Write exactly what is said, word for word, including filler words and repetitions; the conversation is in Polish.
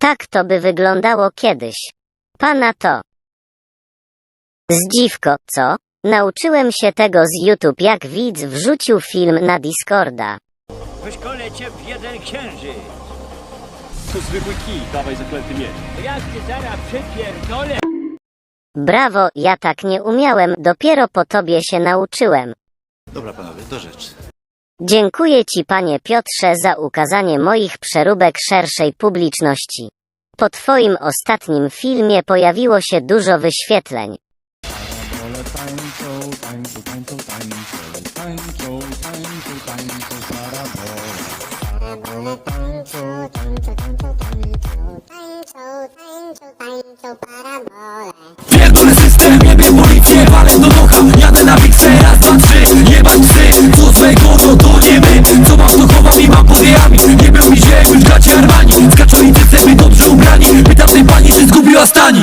Tak to by wyglądało kiedyś. Pana to. Zdziwko, co? Nauczyłem się tego z YouTube, jak widz wrzucił film na Discorda. Wyszkolę cię w jeden księżyc. To zwykły kij, dawaj zaklęty miecz. Jak ty zaraz przypierdolę. Brawo, ja tak nie umiałem, dopiero po tobie się nauczyłem. Dobra panowie, do rzeczy. Dziękuję ci, panie Piotrze, za ukazanie moich przeróbek szerszej publiczności. Po twoim ostatnim filmie pojawiło się dużo wyświetleń. Pierdolę system, jebie policję, walę do ducha. Jadę na miksę, raz, dwa, trzy. Jebać psy, co złego, no to nie my. Co mam, to chowam i mam pod jajami. Nie był mi się, już gacie Armani. Skaczą i cyce, by dobrze ubrani. Pytam tej pani, czy zgubiła stani.